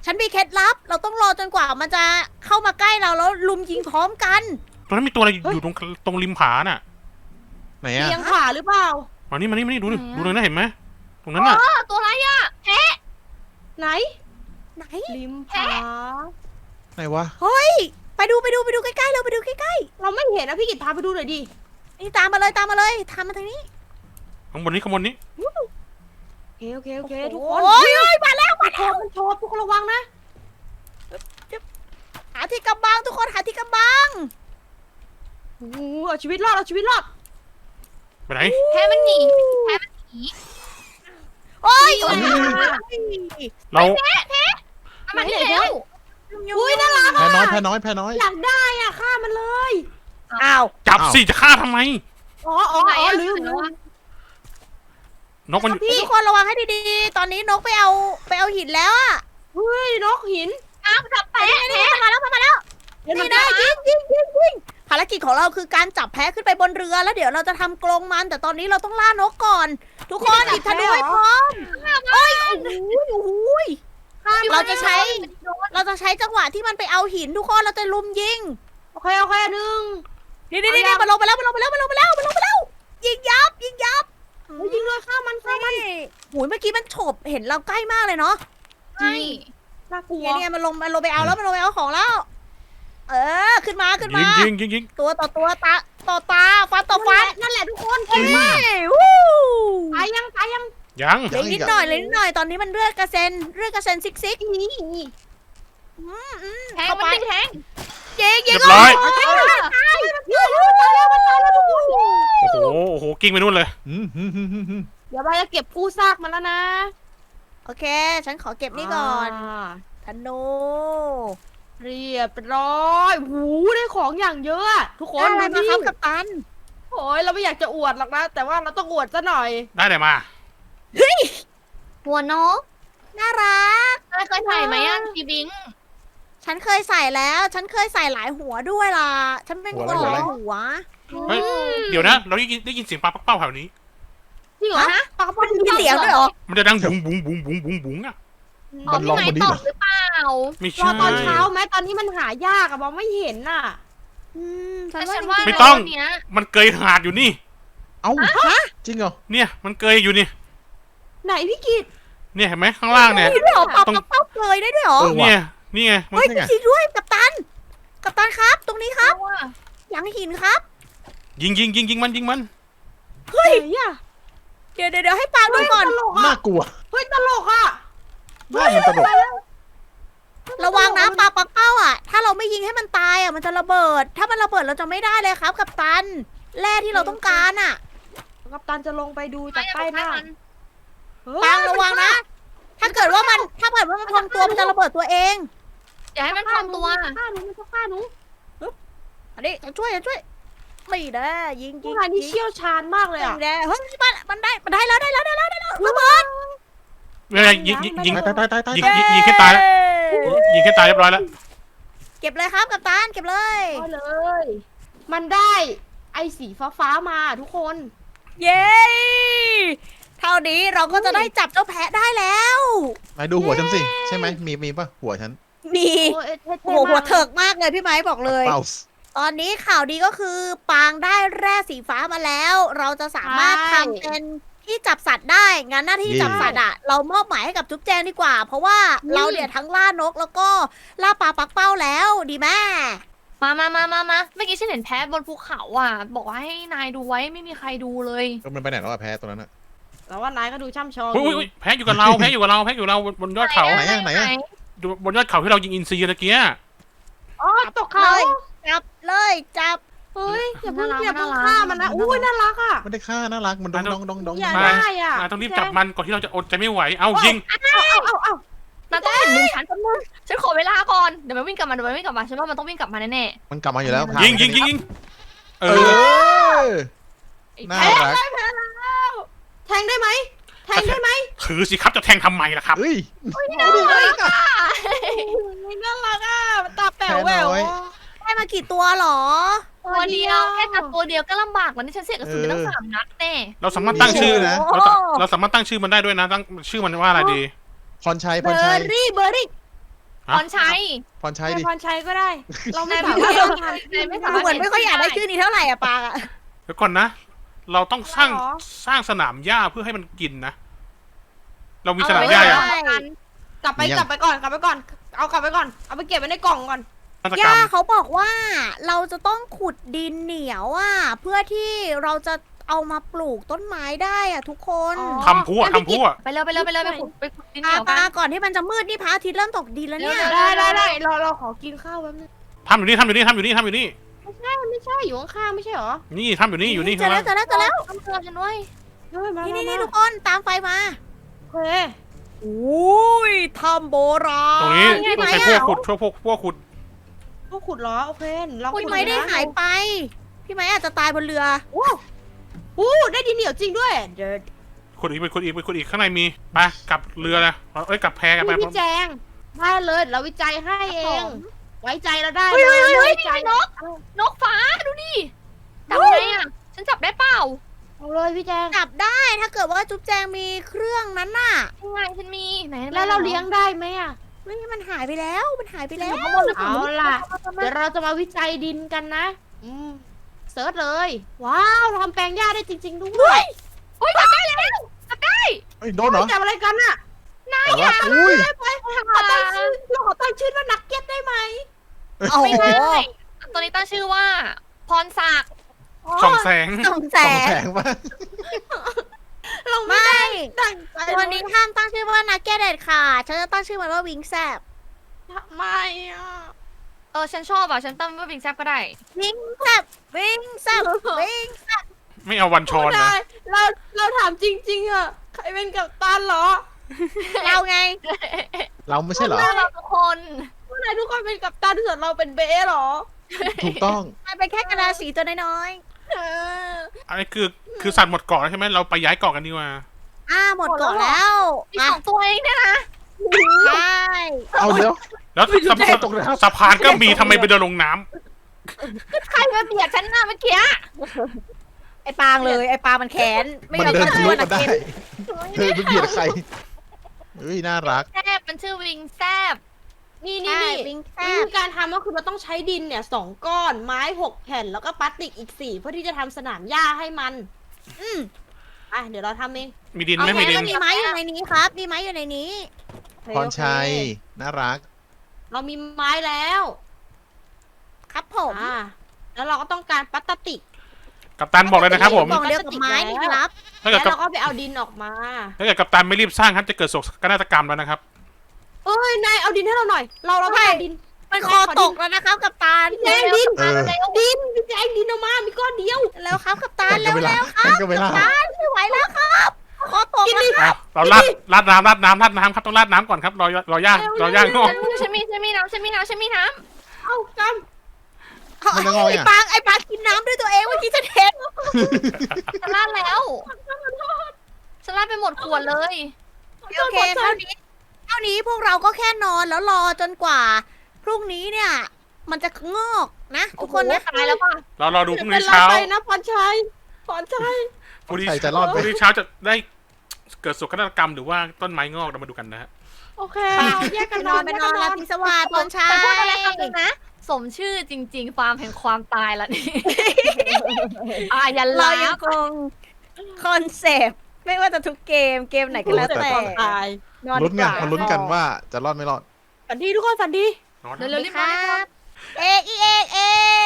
Speaker 2: ฉันมีเคล็ดลับ เราต้องรอจนกว่ามันจะเข้ามาใกล้เราแล้วลุมยิงพร้อมกัน
Speaker 3: ตรงนั้นมีตัวอะไรอยู่ตรงตรงริมผาน่ะ
Speaker 5: ไหนอะ
Speaker 1: เลี้ยงขาหรือเปล่า
Speaker 3: มานี่มานี่มานี่ดูดิดูเลยนะเห็นไหมตรงนั้นน่ะ
Speaker 4: เออตัวอะไรอ่ะ
Speaker 1: ไหน
Speaker 2: ไหน
Speaker 1: ริมผา
Speaker 5: ไหนวะ
Speaker 2: เฮ้ย ไปดูไปดูไปดูใกล้ๆเราไปดูใกล้
Speaker 1: เราไม่เห็นนะพี่กิตพาไปดูหน่อยดิ
Speaker 2: ๆนี่ตามมาเลยตามมาเลยตามมาทางนี้
Speaker 3: ข้างบนนี้ข้างบนนี้
Speaker 1: โอเคโอเคโอเคทุกคน
Speaker 2: โอ้ยโอ้ยมาแล้ว
Speaker 1: มันโชว์มันโชว์ทุกคนระวังนะ
Speaker 2: หาที่กำบังทุกคนหาที่กำบัง
Speaker 1: โอ้โหเอาชีวิตรอดเอาชีวิตรอด
Speaker 3: ไปไหน
Speaker 4: แพ้มันหนีแพ้มันหนี
Speaker 2: โอ้ย
Speaker 1: โอ้ย
Speaker 3: เรา
Speaker 4: เอามันนี่แล้ว
Speaker 1: อุ้ยน่ารัก
Speaker 5: แพ้น้อยแพ้น้อยแพ้น้อย
Speaker 1: อยากได้อ่ะฆ่ามันเลย
Speaker 2: อ้าว
Speaker 3: จับสิจะฆ่าทำไม
Speaker 1: อ๋ออ๋อ
Speaker 4: ไหน
Speaker 1: อ๋อ
Speaker 4: อะ
Speaker 1: ลืมลืม
Speaker 3: นกมัน
Speaker 2: ทุกคนระวังให้ดีๆ ตอนนี้นกไปเอาไปเอาหินแล้วอะ
Speaker 1: เฮ้ยนกหิน
Speaker 4: อ้าวจับแพ้
Speaker 2: นี่นี่มาแล้วมาแล้ว
Speaker 1: เห็นมัน
Speaker 2: นี่นะยิงยิงยิงยิงภารกิจของเราคือการจับแพะขึ้นไปบนเรือแล้วเดี๋ยวเราจะทำกรงมัน แต่ตอนนี้เราต้องล่านกก่อน ทุกคนหยิบธนูให้พร้อมเฮ้ยโอ้โหโอ้โห เราจะใช้ เราจะใช้จังหวะที่มันไปเอาหินทุกคนเราจะลุมยิง
Speaker 1: โอเคโอเคหนึ่ง
Speaker 2: นี่นี่นี่มันลงไปแล้วมันลงไปแล้วมันลงไปแล้วมันลงไปแล้วยิงยับยิงยับ
Speaker 1: เฮ้ยยิงเลยฆ่ามันฆ่ามัน
Speaker 2: โอ้ยเมื่อกี้มันฉบเห็นเราใกล้มากเลยเนาะ
Speaker 4: ใช่
Speaker 1: น่ากลัว
Speaker 2: เนี่ยเนี่ยมันลงมันลงไปเอาแล้วมันลงไปเอาของแล้ว เออขึ้นมาขึ้น
Speaker 3: ยิ
Speaker 2: มาง
Speaker 3: ยิงยิงยิง
Speaker 2: ตัวต่อตัวตาต่อตาฟันต่อฟัน
Speaker 1: นั่นแหละทุกคน
Speaker 2: เฮ้ยวู้
Speaker 1: ตายยังตายยัง
Speaker 3: ยัง
Speaker 2: เหลือนิดหน่อยเหลยนิดหน่อยตอนนี้มันเลือดกระเซ็นเลือดกระเซ็นซิกซิก
Speaker 1: นี่นี่
Speaker 2: อืมอืม
Speaker 4: แทง
Speaker 2: เข้า
Speaker 4: มัน
Speaker 2: ไป
Speaker 4: ดึงแทง
Speaker 2: ยิงยิ
Speaker 3: เรี
Speaker 2: ง
Speaker 3: ยบร้อย
Speaker 2: ตายตายตาย
Speaker 1: เฮ้ยมันตายแล้วมันตายแล้วทุกคน
Speaker 3: โอ้โหโอ้โหกิ้งไปนู่นเลย
Speaker 5: อืมฮึมฮึมฮึมฮึม
Speaker 1: เดี๋ยวเราจะเก็บกู้ซากมันแล้วนะ
Speaker 2: โอเค ฉันขอเก็บนี่ก่อน
Speaker 1: า
Speaker 2: ธนู
Speaker 1: เรียบร้อยหูได้ของอย่างเยอะอะทุกคน
Speaker 2: ได้อะไร
Speaker 1: ดู
Speaker 2: มา
Speaker 1: ดิ
Speaker 2: ครับกัปตัน
Speaker 1: โอ้ยเราไม่อยากจะอวดหรอกนะ แต่ว่าเราต้องอวดซะหน่อย
Speaker 3: ได้เลยมา
Speaker 4: หัวนก
Speaker 2: น่ารัก
Speaker 4: เคยใส่ไหมอ่ะทีบิง
Speaker 2: ฉันเคยใส่แล้ว ฉันเคยใส่หลายหัวด้วยล่ะ ฉันเป็นคนหลายหัว
Speaker 3: เฮ้ย เดี๋ยวนะ เราได้ยินได้ยินเสียงปลาปักเป้าแถวนี้
Speaker 1: จริงเหรอ
Speaker 2: ฮะ
Speaker 1: ปากกระป๋อง
Speaker 2: มีเสียงด้วยเหรอ
Speaker 3: มันจะดังบุ้งบุ้งบุ้งบุ้งบุ้งบุ้งอ่ะ
Speaker 4: อ๋อพี่ไม้ตอบหรือเปล่า
Speaker 3: ไม่
Speaker 1: รอ
Speaker 3: ใช่
Speaker 1: ตอนเช้าไหมตอนนี้มันหายากอะมองไม่เห็นน่ะ
Speaker 2: อืมฉั
Speaker 4: แต่
Speaker 2: นว่า
Speaker 4: ฉัน
Speaker 2: จ
Speaker 4: ว่า
Speaker 2: ริง
Speaker 3: ไม่ต้อง
Speaker 4: เนี้ย
Speaker 3: มันเกยหาดอยู่นี่
Speaker 5: เอ้าจริงเหรอ
Speaker 3: เนี่ย มันเกยอยู่นี่
Speaker 1: ไหนพี่กิต
Speaker 3: เนี่ยเห็นไหมข้างล่างเนี่ย
Speaker 2: ๆมีด้วยเหรอปลา
Speaker 3: ต้อง
Speaker 2: ปักเป้าเกยได้ด้วยเหรอ
Speaker 5: เออว่ะ
Speaker 3: เนี่ย นี่ไงมัน
Speaker 2: เฮ้ย
Speaker 5: นี่ไง
Speaker 2: จริงๆด้วยกัปตัน กัปตันครับ ตรงนี้ครับ
Speaker 4: เอาอะ
Speaker 2: หลังหินครับ
Speaker 3: ยิงยิงยิงยิงมันยิงมัน
Speaker 2: เฮ้ย
Speaker 1: ไหนอะ
Speaker 2: เดี๋ยวเดี๋ยวเดี๋ยวให้ปางดูก่อน
Speaker 1: ตลก
Speaker 5: น่า
Speaker 1: อะ
Speaker 5: กลัว
Speaker 1: เฮ้ยตลกอะ
Speaker 5: หน้ามันตลก
Speaker 2: ระวังนะปลาปักเป้าอ่ะ ถ้าเราไม่ยิงให้มันตายอ่ะ มันจะระเบิด ถ้ามันระเบิดเราจะไม่ได้เลยครับ กัปตัน แร่ที่เราต้องการอ่ะ
Speaker 1: กัปตันจะลงไปดู
Speaker 4: ไม่
Speaker 1: จาก
Speaker 4: อย่า
Speaker 1: ใต้
Speaker 4: ไป
Speaker 1: หน้า
Speaker 4: ฆ่ามัน
Speaker 1: เฮ้ย
Speaker 2: ปางระวังนะ ถ้าเกิดว่ามัน ถ้าเกิดว่ามันพองตัวมันจะระเบิดตัวเอง
Speaker 4: อย่าให้มันพองตัว
Speaker 1: ฆ่าหนูมันจะฆ่าหนู
Speaker 2: อันนี้ฉันช่วยฉันช่วย ไม่ได้ยิง
Speaker 1: พว
Speaker 2: ยิ
Speaker 1: ก
Speaker 2: ง
Speaker 1: นายนี่
Speaker 2: ยิง
Speaker 1: เชี่ยวชาญมากเลย
Speaker 2: ยิ
Speaker 1: อะ
Speaker 2: งได้เฮ้ยมันมันได้ มันได้แล้วได้แล้วได้แล้วได้แล้วระเบิด
Speaker 3: เนี่ยยิงยิงยิง
Speaker 5: ตายตายตายตาย
Speaker 3: ยิง
Speaker 5: ตาย
Speaker 3: ยิงยิงแค่ตายแล้วยิงแค่ตายเรียบร้อยแล้ว
Speaker 2: เก็บเลยครับกัปตัน เก็บเลย
Speaker 1: เอาเลย มันได้ไอ้สีฟ้าฟ้าๆมาทุกคน
Speaker 2: เย้ เท่านี้เราก็จะได้จับเจ้าแพะได้แล้ว
Speaker 5: นายดูหัวฉันสิ ใช่ไหมมีมีป่ะหัวฉัน
Speaker 2: มี
Speaker 1: โอ้ยเท่ๆ
Speaker 2: โอ้โหหัว
Speaker 1: มาก
Speaker 2: เถิกมากเลยพี่ไม้บอกเลย
Speaker 5: เป้า
Speaker 2: ตอนนี้ข่าวดีก็คือปางได้แร่สีฟ้ามาแล้ว เราจะสามารถทำเป็นที่จับสัตว์ได้ งั้นหน้าที่จับสัตว์อะเรามอบหมายให้กับจุ๊บแจงดีกว่า เพราะว่าเราเนี่ยทั้งล่านกแล้วก็ล่าปลาปักเป้าแล้วดีแม่
Speaker 4: มามามามามาเมื่อกี้ฉันเห็นแพ้บนภูเขาอ่ะ บอกว่าให้นายดูไว้ไม่มีใครดูเลย
Speaker 5: ก็มันไปไหนแล้วอะแพ้ตัวนั้นอะ
Speaker 1: แล้วว่านายก็ดูช่ำชอง
Speaker 3: อุ้ยอุ้ยอุ้ยแพ้อยู่กับเราแพ้อยู่กับเราแพ้อยู่กับเราบนบนยอดเขา
Speaker 5: ไหนอะไหนอะ
Speaker 3: ดูบนยอดเขาที่เรายิงอินซีตะเกีย
Speaker 1: อ๋อตกเขา
Speaker 2: เลย จับเลยจับ
Speaker 1: เฮ้ยอย่าเพิ่ง
Speaker 4: น่ารัก
Speaker 1: อย่าเพิ่ง
Speaker 4: น่ารัก
Speaker 1: ฆ่ามันนะอุ้ยน่ารักอ่ะ
Speaker 5: ไม่ได้ฆ่าน่ารักมันดองดองดองดอง
Speaker 1: อย่า
Speaker 3: มา
Speaker 1: ได้อ่ะ
Speaker 3: อ่ะต้องรีบจับมันก่อนที่เราจะอดใจไม่ไหว เอายิง
Speaker 1: เอาเอาเอาเอา
Speaker 4: นายต้องเห็นมือฉันแป๊บนึงฉันขอเวลาก่อน เดี๋ยวมันวิ่งกลับมาเดี๋ยวมันวิ่งกลับมา ฉันว่ามันต้องวิ่งกลับมาแน่
Speaker 5: มันกลับมาอยู่แล้วพา
Speaker 3: ยิงยิงยิงยิงเอ
Speaker 5: เอ
Speaker 3: อ
Speaker 5: อ
Speaker 4: ๆไอ้
Speaker 5: น่า
Speaker 4: แพ้
Speaker 5: รัก
Speaker 1: แทงได้ไหมแทงได้ไหม
Speaker 3: ถือสิครับจะแทงทำไมล่ะครับ
Speaker 5: เฮ้ย
Speaker 1: น่ารักอ่ะตาแป๋วแหวว
Speaker 2: ได้มากี่ตัวหรอ
Speaker 4: ตัวเดียวแค่จับตัวเดียวก็ลำบากแล้วนี่ฉันเสียกระสุนไปตั้งสามนัดแน่
Speaker 3: เราสามารถตั้งชื่อ
Speaker 5: นะ
Speaker 3: เราจะเราสามารถตั้งชื่อมันได้ด้วยนะ ตั้งชื่อมันว่าอะไรดี
Speaker 5: พรชัย
Speaker 1: เบ
Speaker 5: พ
Speaker 1: อ
Speaker 5: รชัย
Speaker 1: ร์รี่เบอร์รี่
Speaker 3: ฮะ
Speaker 4: พรชัย
Speaker 5: พรชัย
Speaker 1: ให้
Speaker 5: ดิ
Speaker 1: พรชัยก็ได้ เราไม่
Speaker 4: นาย
Speaker 1: สา
Speaker 4: ไม่
Speaker 1: มารถ
Speaker 4: สามารถนายไม่สา
Speaker 2: ดู
Speaker 4: มารถ
Speaker 2: เหมือนไม่ค่อยอยากได้ชื่อนี้เท่าไหร่อะปางอะ
Speaker 3: เดี๋ยวก่อนนะ เราต้องสร้าง
Speaker 1: เหรอ
Speaker 3: สร้างสนามหญ้าเพื่อให้มันกินนะ เรามี
Speaker 1: เอ
Speaker 3: สนาม
Speaker 1: ไว้
Speaker 3: หญ้า
Speaker 1: ก่
Speaker 3: ยัง
Speaker 1: อนกลับไป
Speaker 5: มียัง
Speaker 1: กลับไปก่อนกลับไปก่อน เอากลับไปก่อน เอาไปเก็บไว้ในกล่องก่อน
Speaker 3: นวัตกร
Speaker 2: ย่าร
Speaker 3: ม
Speaker 2: เขาบอกว่าเราจะต้องขุดดินเหนียวอะเพื่อที่เราจะเอามาปลูกต้นไม้ได้อะทุกคน
Speaker 1: อ๋อ
Speaker 3: ทำพั่วทำพั่ว
Speaker 4: ไปเลยไปเลยไปเลยไปขุดไปขุดดินเห
Speaker 2: ปา
Speaker 4: นียวกั
Speaker 2: ปาน ก่อนที่มันจะมืดนี่พระอาทิตย์เริ่มตกดินแล้วเนี่ย
Speaker 4: เร็ว
Speaker 1: ได้ได้ได้เราเราขอกินข้าวแป๊บนึง
Speaker 3: ทำอยู่นี่ทำอยู่นี่ทำอยู่นี่ทำอยู่นี่
Speaker 1: ไม่ใช่อยู่ข้างๆไม่ใช่เหรอ
Speaker 3: นี่ทำอยู่นี่อยู่นี่
Speaker 2: เจอแล้วเจอแล้วเจอแล้ว
Speaker 4: ต้องเตือนฉันด้วย
Speaker 1: เฮ้ยมา
Speaker 2: นี่
Speaker 1: มา
Speaker 2: นี่นี่
Speaker 1: มา
Speaker 2: ทุกคนตามไฟมา
Speaker 1: โอเค
Speaker 2: อุ้ยทำโบราณ
Speaker 3: ตรงนี้
Speaker 2: พี่
Speaker 3: ต้อง
Speaker 2: ไม้
Speaker 3: ใช้พวก
Speaker 2: อะ
Speaker 3: ขุดช่วยพวกพวกขุด
Speaker 1: พวกขุดเหรอ โอเคลองขุ
Speaker 2: พี่
Speaker 1: ด
Speaker 2: ไม้ได้
Speaker 1: นะ
Speaker 2: หายไป พี่ไม้อาจจะตายบนเรือ
Speaker 1: โอ้โหได้ดินเหนียวจริงด้วยเดี๋ยว
Speaker 3: ขุดอีกไปขุดอีกไปขุดอีกข้างในมีไปกลับเรือเลยเอ้ยกลับแพกันไป
Speaker 1: พี่แจงได้เลยเราวิจัยให้เอ
Speaker 2: ครับ
Speaker 1: ง
Speaker 2: ผม
Speaker 1: ไว้ใจเราได้
Speaker 4: เฮ้ยเฮ้ยเฮ้ย
Speaker 1: ไว้ใจ
Speaker 4: นี่ไงนก นกฟ้าดูดิจับไงอ่ะ ฉันจับได้เปล่า
Speaker 1: เอาเลยพี่แจง
Speaker 2: จับได้ถ้าเกิดว่าจุ๊บแจงมีเครื่องนั้นน่ะ
Speaker 4: ยังไงฉันมีไหน
Speaker 1: แล้วเราเลี้ยงได้ไหมอ่ะ
Speaker 2: เฮ้ยมันหายไปแล้วมันหายไปแล้ว
Speaker 1: เอาล่ะ เดี๋ยวเราจะมาวิจัยดินกันนะ อืมเสิร์ชเลย ว้าวเราทำแปลงหญ้าได้จริง ๆ ด้วย
Speaker 4: โอ้ยจับได้แล้วจับได้
Speaker 5: เอ้ยโดนเหรอ
Speaker 1: จับอะไรกันอ่ะ
Speaker 5: แต่ว่าอุ้ย
Speaker 1: ไปขอตั้งชื่อเราขอตั้งชื่อว่านักเก็ตได้ไหม
Speaker 2: โอ้
Speaker 4: ไม่
Speaker 2: โห
Speaker 4: ได้ตัวนี้ตั้งชื่อว่า พรศักดิ์
Speaker 3: ส่องแสง
Speaker 2: สองแส
Speaker 5: สอง
Speaker 2: น
Speaker 5: แสงมาก
Speaker 1: เราไม่
Speaker 2: ไม่
Speaker 1: ตั้งใจ
Speaker 2: วันนี้ห้ามตั้งชื่อว่านักแกเด็ดค่ะฉันจะตั้งชื่อมันว่าวิงแซบ
Speaker 1: ทำไมอ่ะ
Speaker 4: เออฉันชอบอ่ะฉันตั้งว่าบิงแซบก็ได้
Speaker 2: วิงแซบวิงแซบวิง
Speaker 3: ไม่เอาวันชอน
Speaker 1: ได้
Speaker 3: นะ
Speaker 1: เราเราถามจริง ๆอ่ะใครเป็นกัปตันเหรอ
Speaker 2: เราไง
Speaker 5: เราไม่ใช่เหรอ
Speaker 4: เราทุกคน
Speaker 1: พวกนายทุกคนเป็นกัปตันส่วนเราเป็นเบสเหรอ
Speaker 5: ถูกต้อง
Speaker 2: มันเป็นแค่กระดาษสีตัวน้อย
Speaker 1: เออ
Speaker 3: อันนี้คือคือสัตว์หมดเกาะแล้วใช่ไหมเราไปย้ายเกาะกันดีกว่า
Speaker 2: ๆอ่าหมดก่อนแล้ว
Speaker 4: มี
Speaker 2: มา
Speaker 4: สองตัวเองเนี่ยนะ
Speaker 2: ใช่
Speaker 5: เอาเดี๋ยว
Speaker 3: แล้วสะ
Speaker 5: แย่ตกน้ำ
Speaker 3: สะพานก็มีทำไมไปเดินลงน้ำ
Speaker 4: ใครมาเบียดฉันน่ะเมื่อกี้
Speaker 2: ไอปางเลยไอปางมันแขนไม่
Speaker 5: มัน
Speaker 2: ยอม
Speaker 5: เดิน
Speaker 2: ตั้ง
Speaker 5: ทะ
Speaker 2: ชื่อ
Speaker 5: ลุ
Speaker 2: ว่านั
Speaker 5: มาก ได้
Speaker 2: เก็ต
Speaker 5: เธอไปเบียดใครเฮ้ยน่ารัก
Speaker 4: แซบมันชื่อวิงแซบ
Speaker 1: นี่นี่
Speaker 2: ใช่
Speaker 1: นี่
Speaker 2: วิงแซ
Speaker 1: วิ
Speaker 2: บ
Speaker 1: ธีการทำก็คือเราต้องใช้ดินเนี่ยสองก้อนไม้หกแผ่นแล้วก็พลาสติกอีกสี่เพื่อที่จะทำสนามหญ้าให้มัน
Speaker 2: อืม
Speaker 1: อ่ะเดี๋ยวเราทำเอง
Speaker 3: มีดินไหม
Speaker 2: โอเค
Speaker 3: มีดิน
Speaker 2: ก็มีไม้อยู่ในนี้ครับ มีไม้อยู่ในนี้
Speaker 1: โอเค
Speaker 5: พรชัย
Speaker 1: โอเค
Speaker 5: น่ารัก
Speaker 1: เรามีไม้แล้ว
Speaker 2: ครับผม
Speaker 1: อ่าแล้วเราก็ต้องการพลาสติก
Speaker 3: กัปตันบอกเลยนะครับผม
Speaker 2: กล่องเดียวกับไม้นี่ครับ
Speaker 3: ถ้าเกิด
Speaker 1: แล้ว
Speaker 3: กัป
Speaker 1: เราก็ไปเอาดินออกมา
Speaker 3: ถ้าเกิดกัปตันไม่รีบสร้างครับจะเกิดโศกนาฏกรรมแล้วนะครับ
Speaker 1: เอ้ยนายเอาดินให้เราหน่อย เราเราต้องการดิน
Speaker 2: มันคอตกแล้วนะครับกับตาล
Speaker 1: พี่แจงดิน
Speaker 5: เออ
Speaker 1: ดินพี่แจงดินออกมามีก้อนเดียว
Speaker 2: แล้วครับกับตาล
Speaker 5: แต่ก็
Speaker 2: เร็ว
Speaker 5: เวลา
Speaker 2: ๆครับ
Speaker 5: แต่ก็เวลา
Speaker 2: ตาลไม่ไหวแล้วครับคอตก
Speaker 1: กิน
Speaker 2: แล้ว
Speaker 1: ดิ
Speaker 3: อ่ะเราราดราดน้ำราดน้ำราดน้ำครับต้องราดน้ำก่อนครับรอรอย่างรอย่างงอก
Speaker 4: ฉันมีฉันมีน้ำฉันมีน้ำฉันมีน้
Speaker 1: เอาก
Speaker 5: มันจะงอย
Speaker 2: ไอ้
Speaker 5: อ่ะ
Speaker 2: ปางไอ้ปางกินน้ำด้วยตัวเองเมื่อกี้ฉันเห็น
Speaker 4: ำฉันลาดแล้วฉันลาดไปหมดขวดเลย
Speaker 1: ำ
Speaker 2: โอเคเท่านี้เท่านี้พวกเราก็แค่นอนแล้วรอจนกว่า พรุ่งนี้เนี่ย มันจะงอกนะทุกคนนะ
Speaker 4: ตายแล้วป่ะ
Speaker 3: เรารอดูพรุ่ง
Speaker 1: เป็
Speaker 3: นี้
Speaker 1: นไร
Speaker 3: เช้า
Speaker 1: ไปนะพรชัยพรชัย
Speaker 3: พรุ่งนี้
Speaker 5: ใครจะรอด
Speaker 3: พ
Speaker 5: ไหม
Speaker 3: รุ่งนี้เช้าจะได้เกิดโศกนาฏกรรมหรือว่าต้นไม้งอกเรามาดูกันนะฮะ
Speaker 1: โอเคแยก
Speaker 2: ไป
Speaker 1: กัน
Speaker 2: น
Speaker 1: น
Speaker 2: อ
Speaker 1: อน น
Speaker 2: ไป
Speaker 1: แยก
Speaker 2: นอ
Speaker 1: กัน นน
Speaker 2: รา
Speaker 1: อน
Speaker 2: ตรีสวัสดิ์ตอนเช้า
Speaker 4: ฉันพูดอะไรคำนึงนะ สมชื่อจริง ๆ ฟาร์มแห่งความตายละนี่อายัน
Speaker 2: เรา
Speaker 4: ลา
Speaker 2: ยังคงคอนเซปต์ไม่ว่าจะทุกเกมเกมไหนก็แล้วแต่
Speaker 1: ตาย
Speaker 2: นอน
Speaker 5: ลุ้น
Speaker 2: ดี
Speaker 5: กัน
Speaker 2: กว่า
Speaker 5: มาลุ้นกันว่าจะรอดไม่รอด
Speaker 1: ฝันดีทุกคนฝันดี
Speaker 3: นอน
Speaker 4: เร็วๆรีบ
Speaker 2: ค
Speaker 4: มา
Speaker 2: รับ เอกอีเอกเอก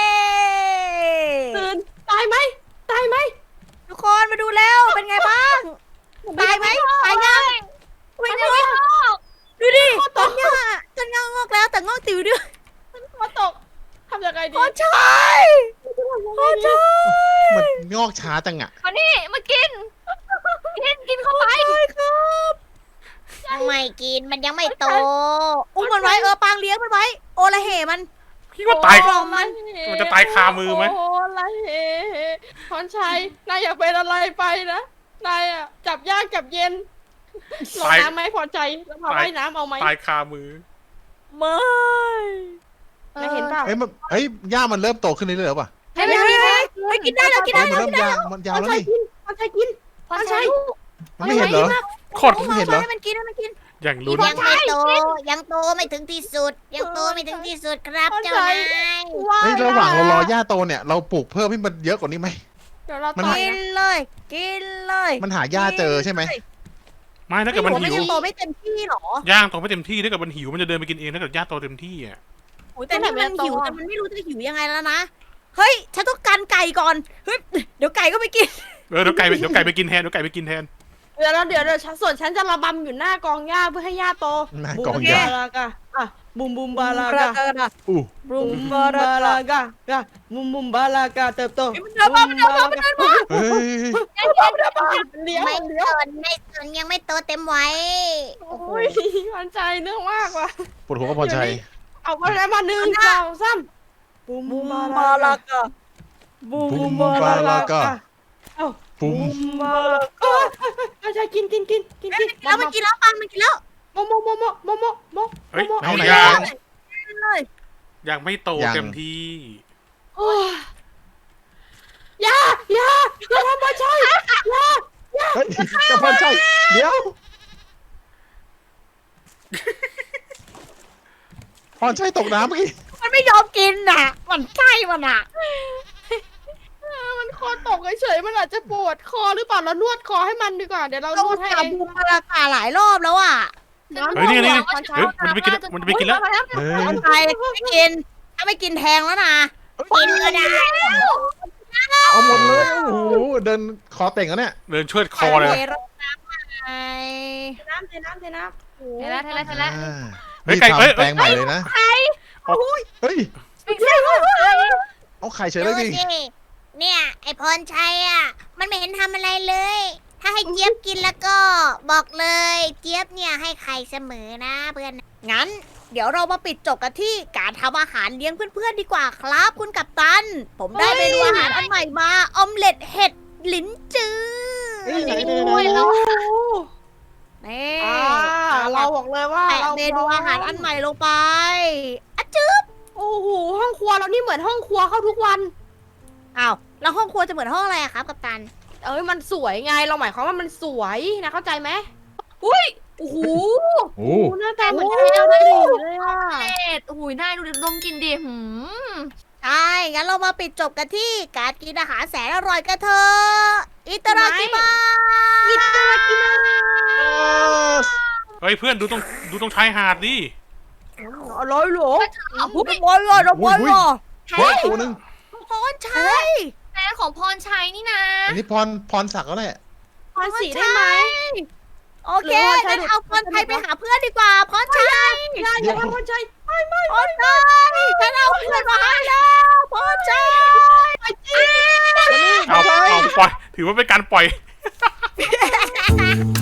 Speaker 1: ตื่นตายไหมตายไหม
Speaker 2: ทุกคนมาดูแล้วเป็นไงบ้างตายไหมตายยัง
Speaker 4: ไม่ได้ไม่ออก
Speaker 2: ดูดิต้นหญ้าต้นหญ้างอกแล้วแต่งอกติ๋วด้วย
Speaker 1: พอตกทำยังไงดี
Speaker 2: พ่อชายพ่อชาย
Speaker 5: มันงอกช้าจังอ่ะ
Speaker 4: มานี่มากิน กินกินเข้าไป
Speaker 2: ครับยังไม่กินมันยังไม่โตอุ้มมันไว้เออปางเลี้ยงมันไว้ โอละเหมัน
Speaker 3: คิดว่าตาย
Speaker 2: กล่อมมัน
Speaker 3: มันจะตายคามือไหม
Speaker 1: โอ้ไรเฮพรชัยนายอยากเป็นอะไรไปนะนายอ่ะจับยากจับเย็นลง
Speaker 3: ตาย
Speaker 1: น้ำไหมพรชัยแล้วพาว่ายน้ำเอาไหม
Speaker 3: ตายคามือ
Speaker 2: ไม่
Speaker 1: นายเห็นเปล่า
Speaker 5: เอ้ยมันเฮ้ยหญ้ามันเริ่มโตขึ้นเรื่อยๆหรือเปล่า
Speaker 2: เฮ้ยเฮ้ยเฮ้ยเฮ้ยกินได้แล้วกิน
Speaker 5: เฮ้
Speaker 2: ได้
Speaker 5: ยมัน
Speaker 2: แล้ว
Speaker 5: เริ่มยาวมันยาว
Speaker 1: พร
Speaker 5: แล้ว
Speaker 1: ชัย
Speaker 5: นี่
Speaker 1: กินพรชัยกิน
Speaker 4: พอใช้
Speaker 5: มันไม่เห็นเหรอ
Speaker 3: โคตร
Speaker 2: อุ้ม
Speaker 5: ไม่เห็นเหรอ
Speaker 2: ให้มันกินให้มันกิน
Speaker 3: อย่างลุ้น
Speaker 2: ยังไม่โตยังโตไม่ถึงที่สุด ยังโตไม่ถึงที่สุดครับเจ้านาย
Speaker 5: เฮ้ยระหว่างเรารอหญ้าโตเนี่ยเราปลูกเพิ่มให้มันเยอะกว่านี้ไหม
Speaker 1: เดี๋ยวเรา
Speaker 5: มัน
Speaker 1: ต่อย
Speaker 2: กิน
Speaker 1: นะ
Speaker 2: เลย กินเลย
Speaker 5: มันหาหญ้าเจอใช่ไหม
Speaker 3: ไม่ถ้าเกิดมัน
Speaker 2: ไม่
Speaker 3: หิว
Speaker 2: ยังโตไม่เต็มที่หรอ
Speaker 3: ย่างโตไม่เต็มที่ถ้าเกิดมันหิวมันจะเดินไปกินเองถ้าเกิดย่าโตเต็มที่อ่ะ
Speaker 2: โอ้ยแต่นี่มันหิวแต่มันไม่รู้จะหิวยังไงแล้วนะ เฮ้ย ฉันต้องการไก่ก่อน เฮ้ย เดี๋ยวไก่ก็ไปกิน
Speaker 3: เออเดี๋ยวไก่ไปเดี๋ยวไก่ไปกินแทนเดี๋ยวไก่ไปกินแทน
Speaker 1: เดี๋ยวเราเดี๋ยวเดี๋ยวฉันส่วนฉันจะระบำอยู่หน้ากองหญ้าเพื่อให้หญ้าโต
Speaker 5: หน้ากอง
Speaker 1: บูม
Speaker 5: หญ้า
Speaker 1: บาลากะอ่ะบุมบุมบาลา
Speaker 2: บ
Speaker 1: กะ
Speaker 5: อู้
Speaker 1: บุมบาลากะกะบุมบุมบาลากะเติบโต
Speaker 2: มันเดินมามันเดินมามันเดินมา
Speaker 5: เฮ้ย
Speaker 1: เลี้ยว
Speaker 2: ไม่
Speaker 1: เลี้ยว
Speaker 2: สนไม่สนยังไม่โตเต็มวัย
Speaker 1: โอ้ยมันใจเนื่องมากว่ะ
Speaker 5: ปวดหัวกับพรชัย
Speaker 1: เอามาแล้วมาหนึ่งสองสามบุมบาลากะบุ
Speaker 5: บุ
Speaker 1: ม
Speaker 5: ม
Speaker 1: บา
Speaker 5: บา
Speaker 1: ลา
Speaker 5: ลาก
Speaker 1: ะ
Speaker 5: กะ
Speaker 1: เอ้า
Speaker 5: ปุ้
Speaker 1: บุ
Speaker 5: ม
Speaker 1: มบาลากะอาจารย์กินกินกินกินกิน
Speaker 2: แล้วมันกินแล้วปังมันกินแล้ว
Speaker 1: โมโมโมโมโมโมโม
Speaker 3: เฮ้ย
Speaker 1: โม
Speaker 3: เอา
Speaker 5: ไหน
Speaker 3: ย่าง
Speaker 2: เลย
Speaker 3: ยังไม่โต
Speaker 5: ยัง
Speaker 3: เต็มที่
Speaker 1: โอ้ยอย่าอย่าอย่าทำมาใช่อย่า
Speaker 5: เฮ้ยกับพรชัยเดี๋ยวพรชัยตกน้ำเมื่อกี้
Speaker 2: มันไม่ยอมกินน่ะ มันใช่มันอ่ะ
Speaker 1: มันคอตกเฉยๆมันอาจจะปวดคอหรือเปล่าเรานวดคอให้มันดีกว่าเดี๋ยวเรา
Speaker 2: เรา
Speaker 1: นวดให้
Speaker 2: จับ
Speaker 1: เอง
Speaker 2: บูมมาราคาหลายรอบแล้วอ่ะ
Speaker 3: เฮ้ยนี่นี่นี่เฮ้ยมันจะไปกินมันจะไปกินแล้ว
Speaker 5: เฮ้ย
Speaker 2: คนไทยไม่กิน ถ้าไม่กินแทงแล้วนะกินก็ได้
Speaker 5: เอาหมดเลยโอ้โหเดินคอเต่งแล้วเนี่ย
Speaker 3: เดินเชิดคอเลย
Speaker 2: รดน้ำไง
Speaker 1: น้ำเทน้ำเทน้ำโอ้
Speaker 4: เห็นแล้วเห็นแล้วเห็นแล้ว
Speaker 5: อ่า
Speaker 3: เฮ้ย
Speaker 5: นี่
Speaker 3: ไก่เอ้ย
Speaker 5: ทำแปลงใหม่เลยนะ เฮ้ย
Speaker 4: ไม่ใช่ว่าใคร
Speaker 5: เอาไข่เฉยเล
Speaker 2: ดู
Speaker 5: ยดิ
Speaker 2: สิเนี่ย ไอพรชัยอ่ะ มันไม่เห็นทำอะไรเลย ถ้าให้เจี๊ยบกินแล้วก็ บอกเลย เจี๊ยบเนี่ยให้ไข่เสมอนะเพื่อน งั้น เดี๋ยวเรามาปิดจบกันที่การทำอาหารเลี้ยงเพื่อนๆดีกว่าครับ คุณกัปตัน ผมได้เมนูอาหารอันใหม่มา ออมเล็ตเห็ดลิ้นจือ
Speaker 5: เฮ้ยไหน
Speaker 1: โอ้ยแล้ว
Speaker 2: นี่
Speaker 1: อ่าเราบอกเลยว่า
Speaker 2: แปะ
Speaker 1: เรา
Speaker 2: เมนูอาหารอันใหม่ลงไปอะจืบ
Speaker 1: โอ้โหห้องครัวเรานี่เหมือนห้องครัวเข้าทุกวัน
Speaker 2: อ้าวแล้วห้องครัวจะเหมือนห้องอะไรอะครับกัปตัน
Speaker 1: เอ้ยมันสวยไงเราหมายความว่ามันสวยนะเข้าใจไหมอุ้ยโอ้โห
Speaker 5: โอ้
Speaker 1: หน้าตาเหมือนแก้วได้เลยอ่ะ
Speaker 4: เอ็ดหูยนายดูดิดมกินดิหืม
Speaker 2: ใช่ งั้นเรามาปิดจบกันที่การกินอาหารแสนอร่อยกันเถอะอิตารากิมาอิตารากิมา
Speaker 3: เฮ้ยเพื่อนดูตรงดูตรงชายหาดดิ
Speaker 1: อร่อยเหรอ
Speaker 2: บุบอลเลยนะบอลเลย
Speaker 5: เฮ้ยตัวหนึง
Speaker 2: พรชัย
Speaker 4: แฟนของพรชัยนี่นะ
Speaker 5: อันนี้พรพรศักดิ์แล้วแหละ
Speaker 1: พรสีได้ไหม
Speaker 2: โอเค
Speaker 1: หรือว่าใช้
Speaker 2: งั้น
Speaker 1: ดูด
Speaker 2: เอาพรชัยไปหาเพื่อนดีกว่าพรชัย
Speaker 1: อย่าอย่าทำพรชัยไม่ไม่
Speaker 2: พรชัยฉันเอาเพื่อนมาให้แล้วพรชัย
Speaker 1: ไปจริง
Speaker 3: เอาเอาปล่อยถือว่าเป็นการปล่อย
Speaker 2: พ